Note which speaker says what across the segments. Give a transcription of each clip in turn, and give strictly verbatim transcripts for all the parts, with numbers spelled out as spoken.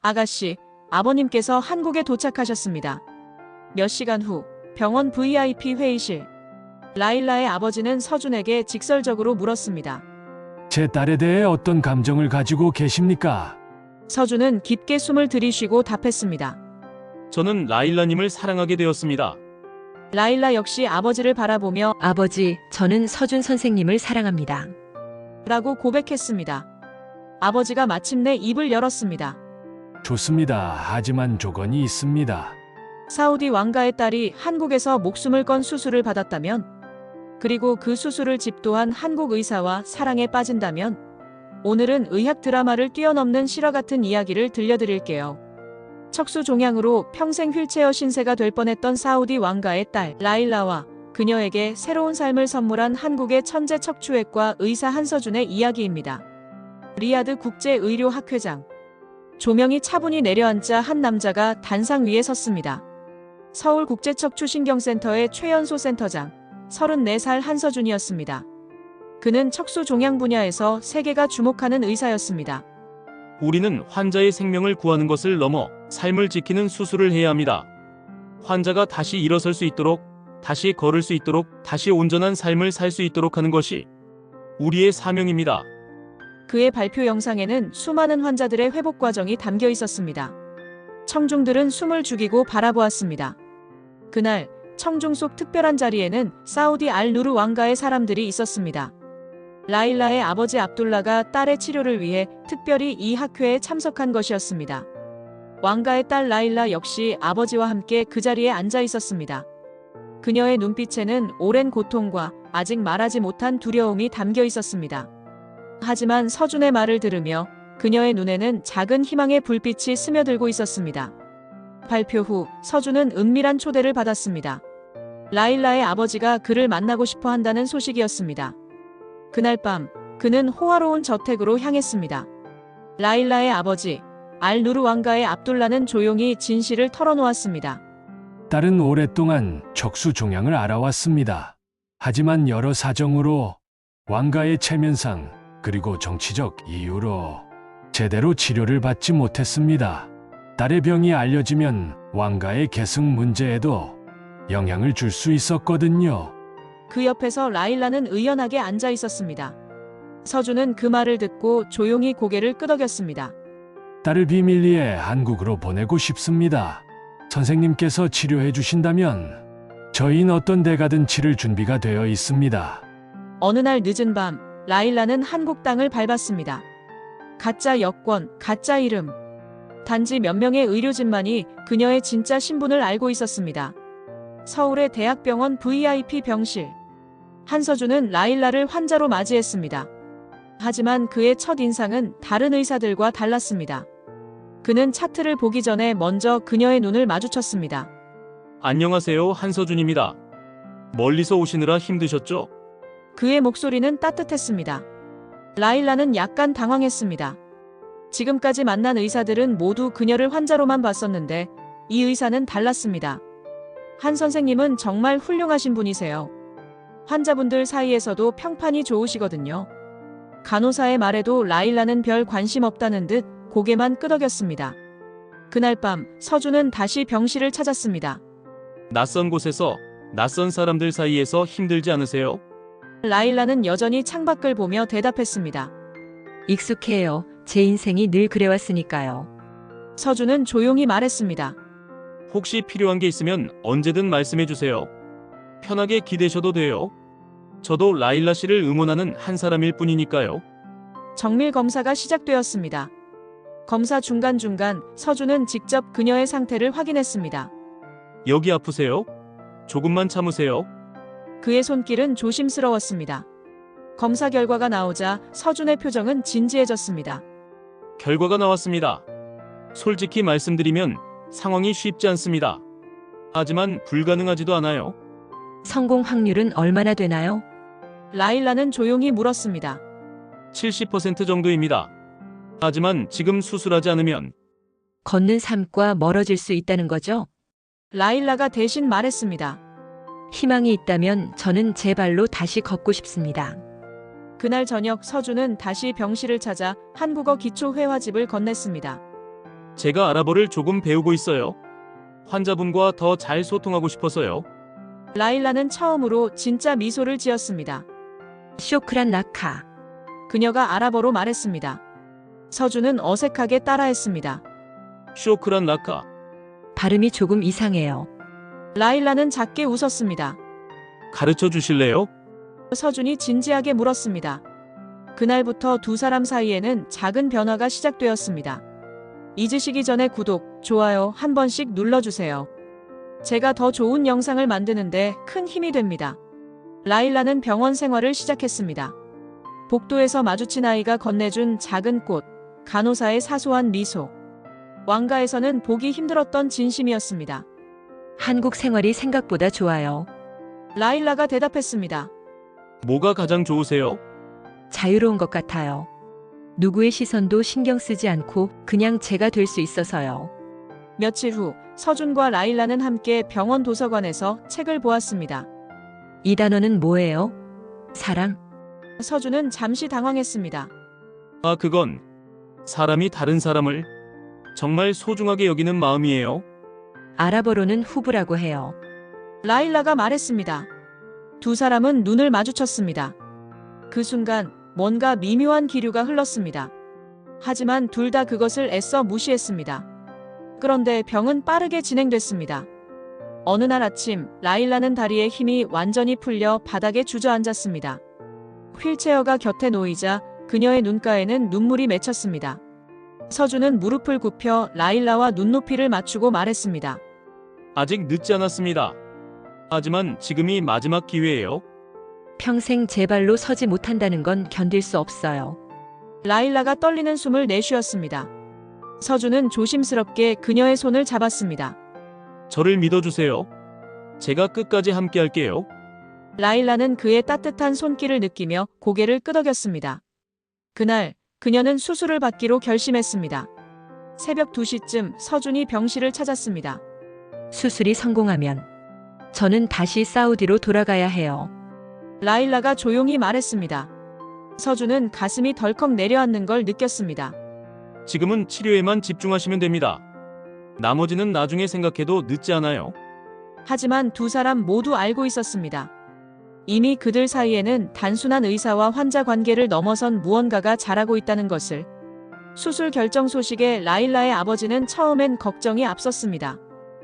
Speaker 1: 아가씨, 아버님께서 한국에 도착하셨습니다. 몇 시간 후 병원 브이아이피 회의실. 라일라의 아버지는 서준에게 직설적으로 물었습니다.
Speaker 2: 제 딸에 대해 어떤 감정을 가지고 계십니까?
Speaker 1: 서준은 깊게 숨을 들이쉬고 답했습니다.
Speaker 3: 저는 라일라님을 사랑하게 되었습니다.
Speaker 1: 라일라 역시 아버지를 바라보며
Speaker 4: 아버지, 저는 서준 선생님을 사랑합니다.
Speaker 1: 라고 고백했습니다. 아버지가 마침내 입을 열었습니다.
Speaker 2: 좋습니다. 하지만 조건이 있습니다.
Speaker 1: 사우디 왕가의 딸이 한국에서 목숨을 건 수술을 받았다면, 그리고 그 수술을 집도한 한국 의사와 사랑에 빠진다면, 오늘은 의학 드라마를 뛰어넘는 실화 같은 이야기를 들려드릴게요. 척수 종양으로 평생 휠체어 신세가 될 뻔했던 사우디 왕가의 딸 라일라와 그녀에게 새로운 삶을 선물한 한국의 천재 척추외과 의사 한서준의 이야기입니다. 리야드 국제의료학회장. 조명이 차분히 내려앉자 한 남자가 단상 위에 섰습니다. 서울국제척추신경센터의 최연소 센터장, 서른네 살 한서준이었습니다. 그는 척수 종양 분야에서 세계가 주목하는 의사였습니다.
Speaker 3: 우리는 환자의 생명을 구하는 것을 넘어 삶을 지키는 수술을 해야 합니다. 환자가 다시 일어설 수 있도록, 다시 걸을 수 있도록, 다시 온전한 삶을 살 수 있도록 하는 것이 우리의 사명입니다.
Speaker 1: 그의 발표 영상에는 수많은 환자들의 회복 과정이 담겨 있었습니다. 청중들은 숨을 죽이고 바라보았습니다. 그날 청중 속 특별한 자리에는 사우디 알 누르 왕가의 사람들이 있었습니다. 라일라의 아버지 압둘라가 딸의 치료를 위해 특별히 이 학회에 참석한 것이었습니다. 왕가의 딸 라일라 역시 아버지와 함께 그 자리에 앉아 있었습니다. 그녀의 눈빛에는 오랜 고통과 아직 말하지 못한 두려움이 담겨 있었습니다. 하지만 서준의 말을 들으며 그녀의 눈에는 작은 희망의 불빛이 스며들고 있었습니다. 발표 후 서준은 은밀한 초대를 받았습니다. 라일라의 아버지가 그를 만나고 싶어 한다는 소식이었습니다. 그날 밤 그는 호화로운 저택으로 향했습니다. 라일라의 아버지 알 누르 왕가의 압둘라는 조용히 진실을 털어놓았습니다.
Speaker 2: 딸은 오랫동안 척수 종양을 알아왔습니다. 하지만 여러 사정으로 왕가의 체면상 그리고 정치적 이유로 제대로 치료를 받지 못했습니다. 딸의 병이 알려지면 왕가의 계승 문제에도 영향을 줄 수 있었거든요.
Speaker 1: 그 옆에서 라일라는 의연하게 앉아 있었습니다. 서준은 그 말을 듣고 조용히 고개를 끄덕였습니다.
Speaker 2: 딸을 비밀리에 한국으로 보내고 싶습니다. 선생님께서 치료해 주신다면 저희는 어떤 데 가든 치를 준비가 되어 있습니다.
Speaker 1: 어느 날 늦은 밤 라일라는 한국 땅을 밟았습니다. 가짜 여권, 가짜 이름. 단지 몇 명의 의료진만이 그녀의 진짜 신분을 알고 있었습니다. 서울의 대학병원 브이아이피 병실. 한서준은 라일라를 환자로 맞이했습니다. 하지만 그의 첫 인상은 다른 의사들과 달랐습니다. 그는 차트를 보기 전에 먼저 그녀의 눈을 마주쳤습니다.
Speaker 3: 안녕하세요, 한서준입니다. 멀리서 오시느라 힘드셨죠?
Speaker 1: 그의 목소리는 따뜻했습니다. 라일라는 약간 당황했습니다. 지금까지 만난 의사들은 모두 그녀를 환자로만 봤었는데 이 의사는 달랐습니다. 한 선생님은 정말 훌륭하신 분이세요. 환자분들 사이에서도 평판이 좋으시거든요. 간호사의 말에도 라일라는 별 관심 없다는 듯 고개만 끄덕였습니다. 그날 밤 서준은 다시 병실을 찾았습니다.
Speaker 3: 낯선 곳에서, 낯선 사람들 사이에서 힘들지 않으세요?
Speaker 1: 라일라는 여전히 창밖을 보며 대답했습니다.
Speaker 4: 익숙해요. 제 인생이 늘 그래왔으니까요.
Speaker 1: 서준은 조용히 말했습니다.
Speaker 3: 혹시 필요한 게 있으면 언제든 말씀해 주세요. 편하게 기대셔도 돼요. 저도 라일라 씨를 응원하는 한 사람일 뿐이니까요.
Speaker 1: 정밀 검사가 시작되었습니다. 검사 중간중간 서준은 직접 그녀의 상태를 확인했습니다.
Speaker 3: 여기 아프세요? 조금만 참으세요.
Speaker 1: 그의 손길은 조심스러웠습니다. 검사 결과가 나오자 서준의 표정은 진지해졌습니다.
Speaker 3: 결과가 나왔습니다. 솔직히 말씀드리면 상황이 쉽지 않습니다. 하지만 불가능하지도 않아요.
Speaker 4: 성공 확률은 얼마나 되나요?
Speaker 1: 라일라는 조용히 물었습니다.
Speaker 3: 칠십 퍼센트 정도입니다. 하지만 지금 수술하지 않으면
Speaker 4: 걷는 삶과 멀어질 수 있다는 거죠?
Speaker 1: 라일라가 대신 말했습니다.
Speaker 4: 희망이 있다면 저는 제 발로 다시 걷고 싶습니다.
Speaker 1: 그날 저녁 서준은 다시 병실을 찾아 한국어 기초회화집을 건넸습니다.
Speaker 3: 제가 아랍어를 조금 배우고 있어요. 환자분과 더 잘 소통하고 싶어서요.
Speaker 1: 라일라는 처음으로 진짜 미소를 지었습니다.
Speaker 4: 쇼크란 라카.
Speaker 1: 그녀가 아랍어로 말했습니다. 서준은 어색하게 따라했습니다.
Speaker 3: 쇼크란 라카.
Speaker 4: 발음이 조금 이상해요.
Speaker 1: 라일라는 작게 웃었습니다.
Speaker 3: 가르쳐 주실래요?
Speaker 1: 서준이 진지하게 물었습니다. 그날부터 두 사람 사이에는 작은 변화가 시작되었습니다. 잊으시기 전에 구독, 좋아요 한 번씩 눌러주세요. 제가 더 좋은 영상을 만드는데 큰 힘이 됩니다. 라일라는 병원 생활을 시작했습니다. 복도에서 마주친 아이가 건네준 작은 꽃, 간호사의 사소한 미소. 왕가에서는 보기 힘들었던 진심이었습니다.
Speaker 4: 한국 생활이 생각보다 좋아요.
Speaker 1: 라일라가 대답했습니다.
Speaker 3: 뭐가 가장 좋으세요?
Speaker 4: 자유로운 것 같아요. 누구의 시선도 신경 쓰지 않고 그냥 제가 될 수 있어서요.
Speaker 1: 며칠 후 서준과 라일라는 함께 병원 도서관에서 책을 보았습니다.
Speaker 4: 이 단어는 뭐예요? 사랑?
Speaker 1: 서준은 잠시 당황했습니다.
Speaker 3: 아, 그건 사람이 다른 사람을 정말 소중하게 여기는 마음이에요.
Speaker 4: 아랍어로는 후브라고 해요.
Speaker 1: 라일라가 말했습니다. 두 사람은 눈을 마주쳤습니다. 그 순간 뭔가 미묘한 기류가 흘렀습니다. 하지만 둘 다 그것을 애써 무시했습니다. 그런데 병은 빠르게 진행됐습니다. 어느 날 아침 라일라는 다리에 힘이 완전히 풀려 바닥에 주저앉았습니다. 휠체어가 곁에 놓이자 그녀의 눈가에는 눈물이 맺혔습니다. 서준은 무릎을 굽혀 라일라와 눈높이를 맞추고 말했습니다.
Speaker 3: 아직 늦지 않았습니다. 하지만 지금이 마지막 기회예요.
Speaker 4: 평생 제 발로 서지 못한다는 건 견딜 수 없어요.
Speaker 1: 라일라가 떨리는 숨을 내쉬었습니다. 서준은 조심스럽게 그녀의 손을 잡았습니다.
Speaker 3: 저를 믿어주세요. 제가 끝까지 함께 할게요.
Speaker 1: 라일라는 그의 따뜻한 손길을 느끼며 고개를 끄덕였습니다. 그날 그녀는 수술을 받기로 결심했습니다. 새벽 두 시쯤 서준이 병실을 찾았습니다.
Speaker 4: 수술이 성공하면 저는 다시 사우디로 돌아가야 해요.
Speaker 1: 라일라가 조용히 말했습니다. 서준은 가슴이 덜컥 내려앉는 걸 느꼈습니다.
Speaker 3: 지금은 치료에만 집중하시면 됩니다. 나머지는 나중에 생각해도 늦지 않아요.
Speaker 1: 하지만 두 사람 모두 알고 있었습니다. 이미 그들 사이에는 단순한 의사와 환자 관계를 넘어선 무언가가 자라고 있다는 것을. 수술 결정 소식에 라일라의 아버지는 처음엔 걱정이 앞섰습니다.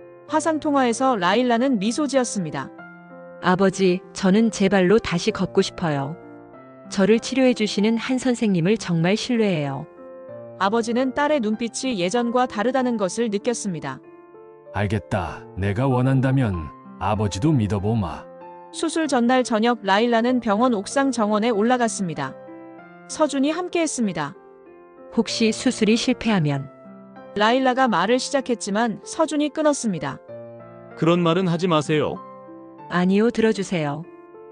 Speaker 1: 화상통화에서 라일라는 미소 지었습니다.
Speaker 4: 아버지, 저는 제 발로 다시 걷고 싶어요. 저를 치료해 주시는 한 선생님을 정말 신뢰해요.
Speaker 1: 아버지는 딸의 눈빛이 예전과 다르다는 것을 느꼈습니다.
Speaker 2: 알겠다. 내가 원한다면 아버지도 믿어보마.
Speaker 1: 수술 전날 저녁 라일라는 병원 옥상 정원에 올라갔습니다. 서준이 함께했습니다.
Speaker 4: 혹시 수술이 실패하면
Speaker 1: 라일라가 말을 시작했지만 서준이 끊었습니다.
Speaker 3: 그런 말은 하지 마세요.
Speaker 4: 아니요, 들어주세요.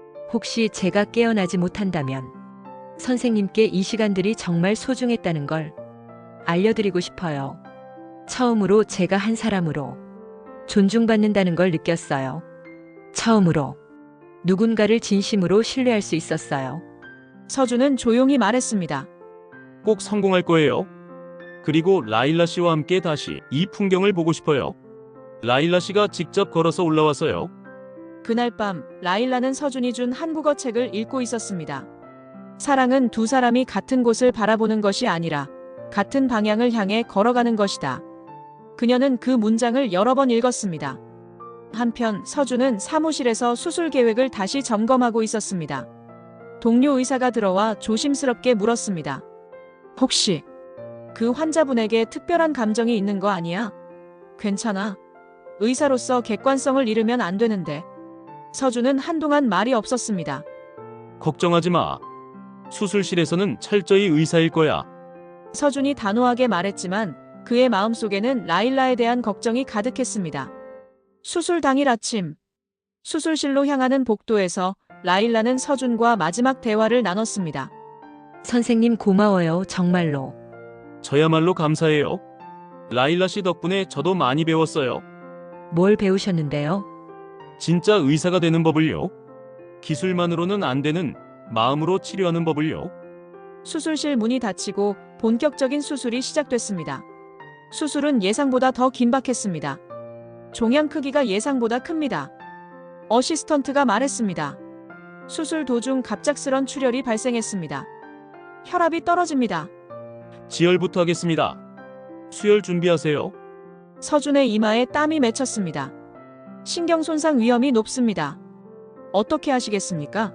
Speaker 4: 혹시 제가 깨어나지 못한다면 선생님께 이 시간들이 정말 소중했다는 걸 알려드리고 싶어요. 처음으로 제가 한 사람으로 존중받는다는 걸 느꼈어요. 처음으로 누군가를 진심으로 신뢰할 수 있었어요.
Speaker 1: 서준은 조용히 말했습니다.
Speaker 3: 꼭 성공할 거예요. 그리고 라일라 씨와 함께 다시 이 풍경을 보고 싶어요. 라일라 씨가 직접 걸어서 올라와서요.
Speaker 1: 그날 밤 라일라는 서준이 준 한국어 책을 읽고 있었습니다. 사랑은 두 사람이 같은 곳을 바라보는 것이 아니라 같은 방향을 향해 걸어가는 것이다. 그녀는 그 문장을 여러 번 읽었습니다. 한편 서준은 사무실에서 수술 계획을 다시 점검하고 있었습니다. 동료 의사가 들어와 조심스럽게 물었습니다. 혹시 그 환자분에게 특별한 감정이 있는 거 아니야? 괜찮아. 의사로서 객관성을 잃으면 안 되는데. 서준은 한동안 말이 없었습니다.
Speaker 3: 걱정하지 마. 수술실에서는 철저히 의사일 거야.
Speaker 1: 서준이 단호하게 말했지만 그의 마음속에는 라일라에 대한 걱정이 가득했습니다. 수술 당일 아침, 수술실로 향하는 복도에서 라일라는 서준과 마지막 대화를 나눴습니다.
Speaker 4: 선생님 고마워요, 정말로.
Speaker 3: 저야말로 감사해요. 라일라 씨 덕분에 저도 많이 배웠어요.
Speaker 4: 뭘 배우셨는데요?
Speaker 3: 진짜 의사가 되는 법을요. 기술만으로는 안 되는 마음으로 치료하는 법을요.
Speaker 1: 수술실 문이 닫히고 본격적인 수술이 시작됐습니다. 수술은 예상보다 더 긴박했습니다. 종양 크기가 예상보다 큽니다. 어시스턴트가 말했습니다. 수술 도중 갑작스런 출혈이 발생했습니다. 혈압이 떨어집니다.
Speaker 3: 지혈부터 하겠습니다. 수혈 준비하세요.
Speaker 1: 서준의 이마에 땀이 맺혔습니다. 신경 손상 위험이 높습니다. 어떻게 하시겠습니까?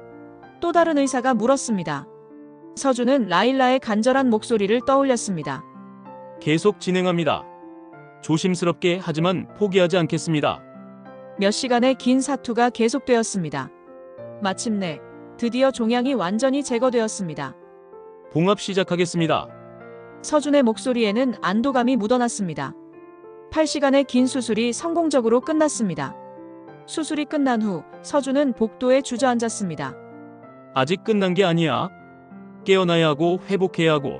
Speaker 1: 또 다른 의사가 물었습니다. 서준은 라일라의 간절한 목소리를 떠올렸습니다.
Speaker 3: 계속 진행합니다. 조심스럽게 하지만 포기하지 않겠습니다.
Speaker 1: 몇 시간의 긴 사투가 계속되었습니다. 마침내 드디어 종양이 완전히 제거되었습니다.
Speaker 3: 봉합 시작하겠습니다.
Speaker 1: 서준의 목소리에는 안도감이 묻어났습니다. 팔 시간의 긴 수술이 성공적으로 끝났습니다. 수술이 끝난 후 서준은 복도에 주저앉았습니다.
Speaker 3: 아직 끝난 게 아니야. 깨어나야 하고 회복해야 하고.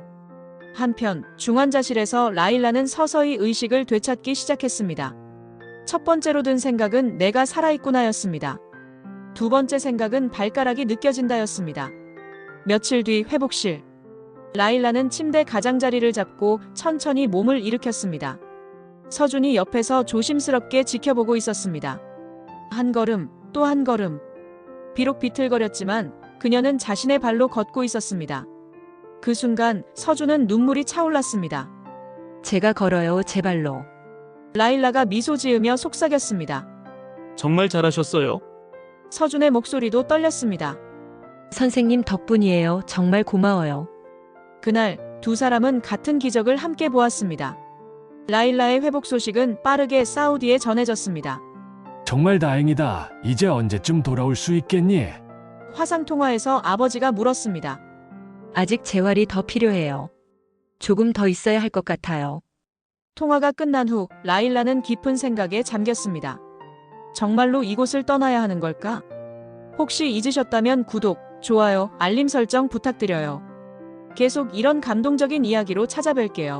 Speaker 1: 한편 중환자실에서 라일라는 서서히 의식을 되찾기 시작했습니다. 첫 번째로 든 생각은 내가 살아있구나였습니다. 두 번째 생각은 발가락이 느껴진다였습니다. 며칠 뒤 회복실. 라일라는 침대 가장자리를 잡고 천천히 몸을 일으켰습니다. 서준이 옆에서 조심스럽게 지켜보고 있었습니다. 한 걸음, 또 한 걸음. 비록 비틀거렸지만 그녀는 자신의 발로 걷고 있었습니다. 그 순간 서준은 눈물이 차올랐습니다.
Speaker 4: 제가 걸어요, 제 발로.
Speaker 1: 라일라가 미소 지으며 속삭였습니다.
Speaker 3: 정말 잘하셨어요.
Speaker 1: 서준의 목소리도 떨렸습니다.
Speaker 4: 선생님 덕분이에요. 정말 고마워요.
Speaker 1: 그날 두 사람은 같은 기적을 함께 보았습니다. 라일라의 회복 소식은 빠르게 사우디에 전해졌습니다.
Speaker 2: 정말 다행이다. 이제 언제쯤 돌아올 수 있겠니?
Speaker 1: 화상통화에서 아버지가 물었습니다.
Speaker 4: 아직 재활이 더 필요해요. 조금 더 있어야 할 것 같아요.
Speaker 1: 통화가 끝난 후 라일라는 깊은 생각에 잠겼습니다. 정말로 이곳을 떠나야 하는 걸까? 혹시 잊으셨다면 구독, 좋아요, 알림 설정 부탁드려요. 계속 이런 감동적인 이야기로 찾아뵐게요.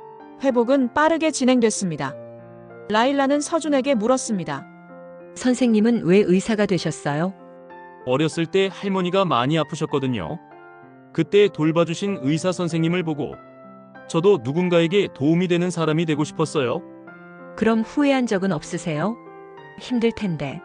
Speaker 1: 회복은 빠르게 진행됐습니다. 라일라는 서준에게 물었습니다.
Speaker 4: 선생님은 왜 의사가 되셨어요?
Speaker 3: 어렸을 때 할머니가 많이 아프셨거든요. 그때 돌봐주신 의사 선생님을 보고 저도 누군가에게 도움이 되는 사람이 되고 싶었어요.
Speaker 4: 그럼 후회한 적은 없으세요? 힘들 텐데.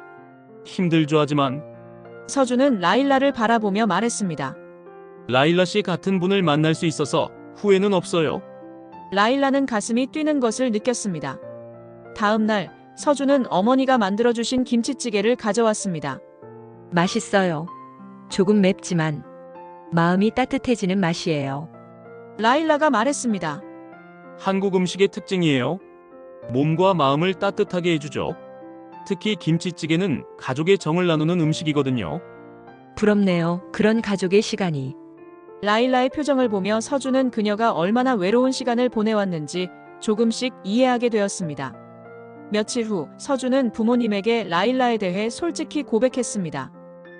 Speaker 3: 힘들죠 하지만
Speaker 1: 서준은 라일라를 바라보며 말했습니다.
Speaker 3: 라일라 씨 같은 분을 만날 수 있어서 후회는 없어요.
Speaker 1: 라일라는 가슴이 뛰는 것을 느꼈습니다. 다음 날 서준은 어머니가 만들어주신 김치찌개를 가져왔습니다.
Speaker 4: 맛있어요. 조금 맵지만 마음이 따뜻해지는 맛이에요.
Speaker 1: 라일라가 말했습니다.
Speaker 3: 한국 음식의 특징이에요. 몸과 마음을 따뜻하게 해주죠. 특히 김치찌개는 가족의 정을 나누는 음식이거든요.
Speaker 4: 부럽네요. 그런 가족의 시간이.
Speaker 1: 라일라의 표정을 보며 서준은 그녀가 얼마나 외로운 시간을 보내왔는지 조금씩 이해하게 되었습니다. 며칠 후 서준은 부모님에게 라일라에 대해 솔직히 고백했습니다.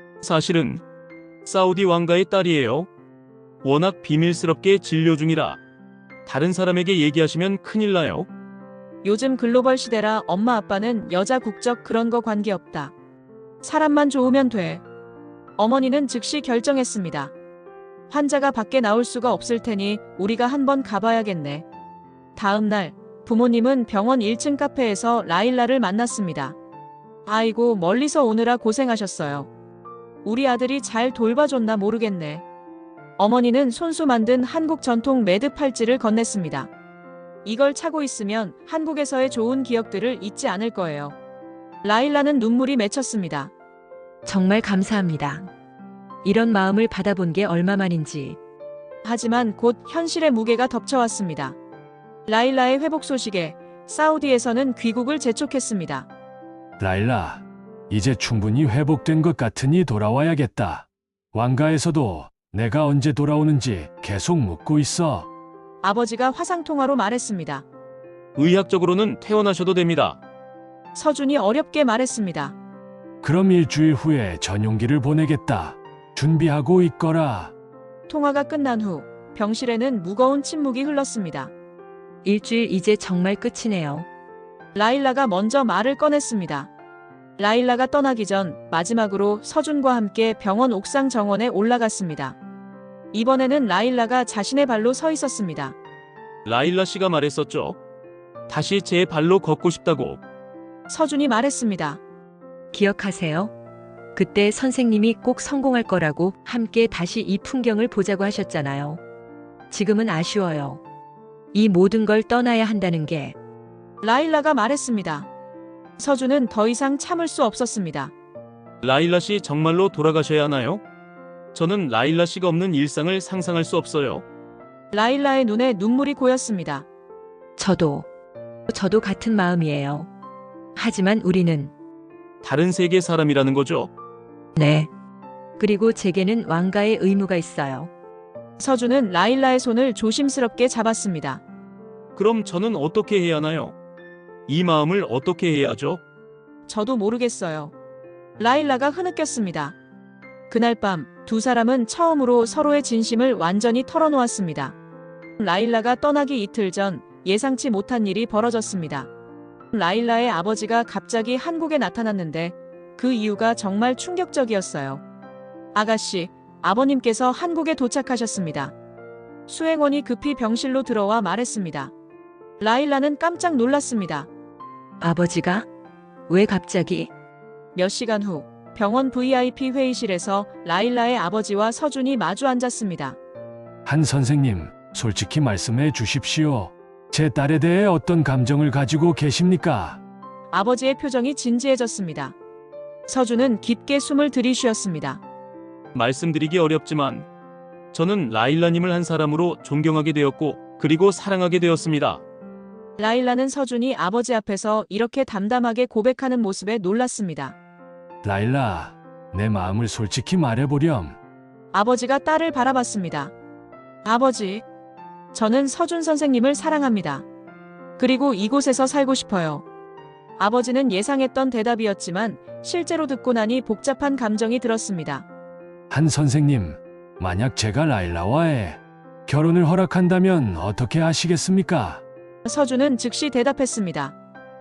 Speaker 3: 사실은 사우디 왕가의 딸이에요. 워낙 비밀스럽게 진료 중이라 다른 사람에게 얘기하시면 큰일 나요.
Speaker 1: 요즘 글로벌 시대라 엄마 아빠는 여자 국적 그런 거 관계없다. 사람만 좋으면 돼. 어머니는 즉시 결정했습니다. 환자가 밖에 나올 수가 없을 테니 우리가 한번 가봐야겠네. 다음 날 부모님은 병원 일 층 카페에서 라일라를 만났습니다. 아이고 멀리서 오느라 고생하셨어요. 우리 아들이 잘 돌봐줬나 모르겠네. 어머니는 손수 만든 한국 전통 매드 팔찌를 건넸습니다. 이걸 차고 있으면 한국에서의 좋은 기억들을 잊지 않을 거예요. 라일라는 눈물이 맺혔습니다.
Speaker 4: 정말 감사합니다. 이런 마음을 받아본 게 얼마만인지.
Speaker 1: 하지만 곧 현실의 무게가 덮쳐왔습니다. 라일라의 회복 소식에 사우디에서는 귀국을 재촉했습니다.
Speaker 2: 라일라, 이제 충분히 회복된 것 같으니 돌아와야겠다. 왕가에서도 내가 언제 돌아오는지 계속 묻고 있어.
Speaker 1: 아버지가 화상통화로 말했습니다.
Speaker 3: 의학적으로는 퇴원하셔도 됩니다.
Speaker 1: 서준이 어렵게 말했습니다.
Speaker 2: 그럼 일주일 후에 전용기를 보내겠다. 준비하고 있거라.
Speaker 1: 통화가 끝난 후 병실에는 무거운 침묵이 흘렀습니다.
Speaker 4: 일주일 이제 정말 끝이네요.
Speaker 1: 라일라가 먼저 말을 꺼냈습니다. 라일라가 떠나기 전 마지막으로 서준과 함께 병원 옥상 정원에 올라갔습니다. 이번에는 라일라가 자신의 발로 서 있었습니다.
Speaker 3: 라일라 씨가 말했었죠. 다시 제 발로 걷고 싶다고.
Speaker 1: 서준이 말했습니다.
Speaker 4: 기억하세요? 그때 선생님이 꼭 성공할 거라고 함께 다시 이 풍경을 보자고 하셨잖아요. 지금은 아쉬워요. 이 모든 걸 떠나야 한다는 게.
Speaker 1: 라일라가 말했습니다. 서준은 더 이상 참을 수 없었습니다.
Speaker 3: 라일라 씨 정말로 돌아가셔야 하나요? 저는 라일라 씨가 없는 일상을 상상할 수 없어요.
Speaker 1: 라일라의 눈에 눈물이 고였습니다.
Speaker 4: 저도, 저도 같은 마음이에요. 하지만 우리는,
Speaker 3: 다른 세계 사람이라는 거죠.
Speaker 4: 네. 그리고 제게는 왕가의 의무가 있어요.
Speaker 1: 서준은 라일라의 손을 조심스럽게 잡았습니다.
Speaker 3: 그럼 저는 어떻게 해야 하나요? 이 마음을 어떻게 해야 하죠?
Speaker 1: 저도 모르겠어요. 라일라가 흐느꼈습니다. 그날 밤 두 사람은 처음으로 서로의 진심을 완전히 털어놓았습니다. 라일라가 떠나기 이틀 전 예상치 못한 일이 벌어졌습니다. 라일라의 아버지가 갑자기 한국에 나타났는데 그 이유가 정말 충격적이었어요. 아가씨, 아버님께서 한국에 도착하셨습니다. 수행원이 급히 병실로 들어와 말했습니다. 라일라는 깜짝 놀랐습니다.
Speaker 4: 아버지가? 왜 갑자기?
Speaker 1: 몇 시간 후 병원 브이아이피 회의실에서 라일라의 아버지와 서준이 마주 앉았습니다.
Speaker 2: 한 선생님, 솔직히 말씀해 주십시오. 제 딸에 대해 어떤 감정을 가지고 계십니까?
Speaker 1: 아버지의 표정이 진지해졌습니다. 서준은 깊게 숨을 들이쉬었습니다.
Speaker 3: 말씀드리기 어렵지만 저는 라일라님을 한 사람으로 존경하게 되었고 그리고 사랑하게 되었습니다.
Speaker 1: 라일라는 서준이 아버지 앞에서 이렇게 담담하게 고백하는 모습에 놀랐습니다.
Speaker 2: 라일라, 내 마음을 솔직히 말해보렴.
Speaker 1: 아버지가 딸을 바라봤습니다. 아버지, 저는 서준 선생님을 사랑합니다. 그리고 이곳에서 살고 싶어요. 아버지는 예상했던 대답이었지만 실제로 듣고 나니 복잡한 감정이 들었습니다.
Speaker 2: 한 선생님, 만약 제가 라일라와의 결혼을 허락한다면 어떻게 하시겠습니까?
Speaker 1: 서준은 즉시 대답했습니다.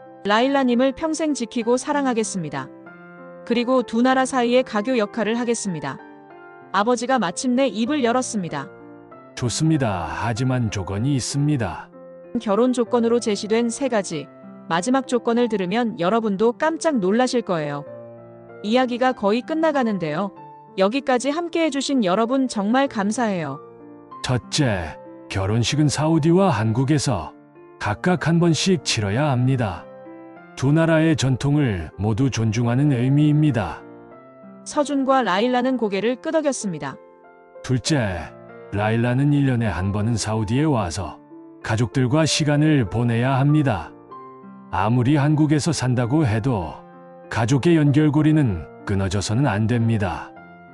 Speaker 1: 라일라님을 평생 지키고 사랑하겠습니다. 그리고 두 나라 사이의 가교 역할을 하겠습니다. 아버지가 마침내 입을 열었습니다.
Speaker 2: 좋습니다. 하지만 조건이 있습니다.
Speaker 1: 결혼 조건으로 제시된 세 가지. 마지막 조건을 들으면 여러분도 깜짝 놀라실 거예요. 이야기가 거의 끝나가는데요. 여기까지 함께 해주신 여러분 정말 감사해요.
Speaker 2: 첫째, 결혼식은 사우디와 한국에서 각각 한 번씩 치러야 합니다. 두 나라의 전통을 모두 존중하는 의미입니다.
Speaker 1: 서준과 라일라는 고개를 끄덕였습니다.
Speaker 2: 둘째, 라일라는 일 년에 한 번은 사우디에 와서 가족들과 시간을 보내야 합니다. 아무리 한국에서 산다고 해도 가족의 연결고리는 끊어져서는 안 됩니다.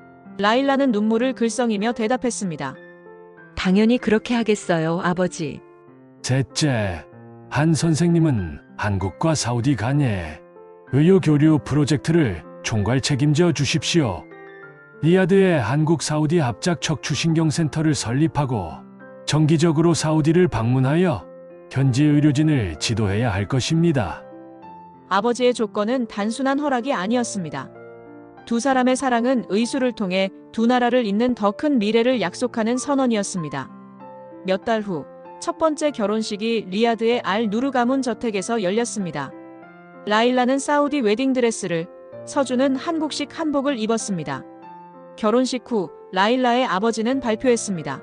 Speaker 1: 라일라는 눈물을 글썽이며 대답했습니다.
Speaker 4: 당연히 그렇게 하겠어요, 아버지.
Speaker 2: 셋째, 한 선생님은 한국과 사우디 간의 의료 교류 프로젝트를 총괄 책임져 주십시오. 리야드에 한국 사우디 합작 척추신경센터를 설립하고 정기적으로 사우디를 방문하여 현지 의료진을 지도해야 할 것입니다.
Speaker 1: 아버지의 조건은 단순한 허락이 아니었습니다. 두 사람의 사랑은 의술을 통해 두 나라를 잇는 더 큰 미래를 약속하는 선언이었습니다. 몇 달 후 첫 번째 결혼식이 리야드의 알 누르 가문 저택에서 열렸습니다. 라일라는 사우디 웨딩드레스를, 서준은 한국식 한복을 입었습니다. 결혼식 후 라일라의 아버지는 발표했습니다.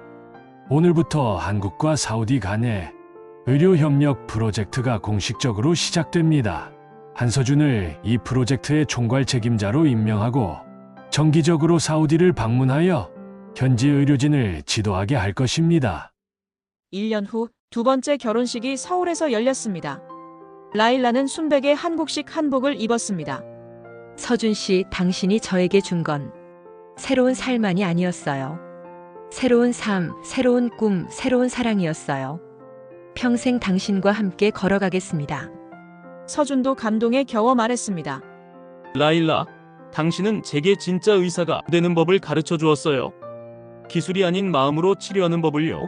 Speaker 2: 오늘부터 한국과 사우디 간의 의료협력 프로젝트가 공식적으로 시작됩니다. 한서준을 이 프로젝트의 총괄 책임자로 임명하고 정기적으로 사우디를 방문하여 현지 의료진을 지도하게 할 것입니다.
Speaker 1: 일 년 후 두 번째 결혼식이 서울에서 열렸습니다. 라일라는 순백의 한국식 한복을 입었습니다.
Speaker 4: 서준 씨, 당신이 저에게 준 건 새로운 삶만이 아니었어요. 새로운 삶, 새로운 꿈, 새로운 사랑이었어요. 평생 당신과 함께 걸어가겠습니다.
Speaker 1: 서준도 감동에 겨워 말했습니다.
Speaker 3: 라일라, 당신은 제게 진짜 의사가 되는 법을 가르쳐 주었어요. 기술이 아닌 마음으로 치료하는 법을요.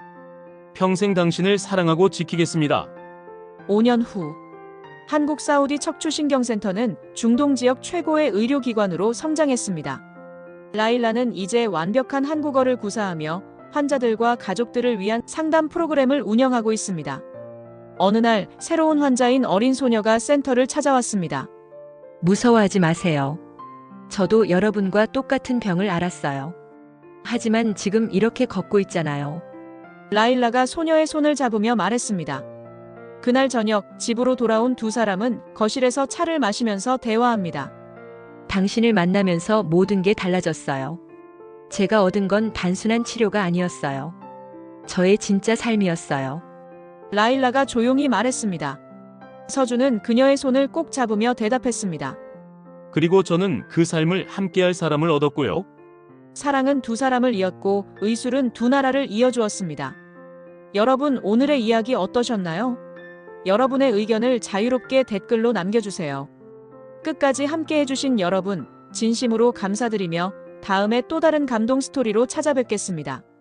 Speaker 3: 평생 당신을 사랑하고 지키겠습니다.
Speaker 1: 오 년 후 한국 사우디 척추신경센터는 중동 지역 최고의 의료기관으로 성장했습니다. 라일라는 이제 완벽한 한국어를 구사하며 환자들과 가족들을 위한 상담 프로그램을 운영하고 있습니다. 어느 날 새로운 환자인 어린 소녀가 센터를 찾아왔습니다.
Speaker 4: 무서워하지 마세요. 저도 여러분과 똑같은 병을 앓았어요. 하지만 지금 이렇게 걷고 있잖아요.
Speaker 1: 라일라가 소녀의 손을 잡으며 말했습니다. 그날 저녁 집으로 돌아온 두 사람은 거실에서 차를 마시면서 대화합니다.
Speaker 4: 당신을 만나면서 모든 게 달라졌어요. 제가 얻은 건 단순한 치료가 아니었어요. 저의 진짜 삶이었어요.
Speaker 1: 라일라가 조용히 말했습니다. 서준은 그녀의 손을 꼭 잡으며 대답했습니다.
Speaker 3: 그리고 저는 그 삶을 함께할 사람을 얻었고요.
Speaker 1: 사랑은 두 사람을 이었고 의술은 두 나라를 이어주었습니다. 여러분 오늘의 이야기 어떠셨나요? 여러분의 의견을 자유롭게 댓글로 남겨주세요. 끝까지 함께 해주신 여러분 진심으로 감사드리며 다음에 또 다른 감동 스토리로 찾아뵙겠습니다.